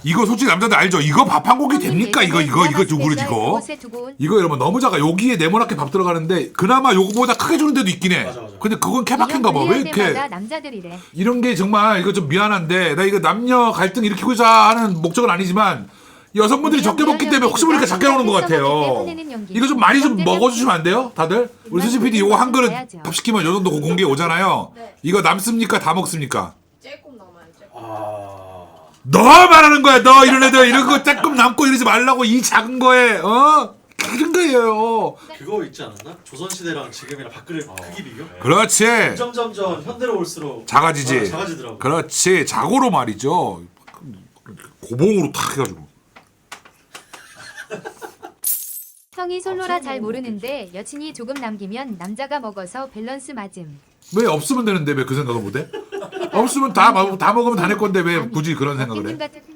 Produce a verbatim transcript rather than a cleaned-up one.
이거 솔직히 남자들 알죠? 이거 밥 한 공기 됩니까? 이거 이거 이거 두 그릇 이거. 이거 여러분 너무 작아. 여기에 네모나게 밥 들어가는데 그나마 요거보다 크게 주는 데도 있긴 해. 맞아, 맞아. 근데 그건 케바케인가 봐. 왜 이렇게 남자들이래. 이런 게 정말 이거 좀 미안한데 나 이거 남녀 갈등 일으키고자 하는 목적은 아니지만 여성분들이 적게 먹기 때문에 혹시 모르니까 작게 나오는 것 같아요. 이거 좀 많이 좀 먹어주시면 안 돼요? 다들? 우리 수지 피디 이거 한 그릇 밥 시키면 요 정도 공개 오잖아요. 네. 이거 남습니까? 다 먹습니까? 조금 남아요. 조금. 아. 너 말하는 거야. 너 이런 애들 이런 거 조금 남고 이러지 말라고 이 작은 거에 어? 그런 거예요. 그거 있지 않았나? 조선시대랑 지금이랑 밥그릇 크기 비교? 그렇지. 점점점 현대로 올수록 작아지지. 어, 작아지더라고. 그렇지. 자고로 말이죠. 고봉으로 탁 해가지고. 형이 솔로라 잘 모르는데 여친이 조금 남기면 남자가 먹어서 밸런스 맞음. 왜 없으면 되는데 왜 그 생각을 못해? 없으면 다, 다 먹으면 다 내 건데 왜 굳이 그런 생각을 해? 같은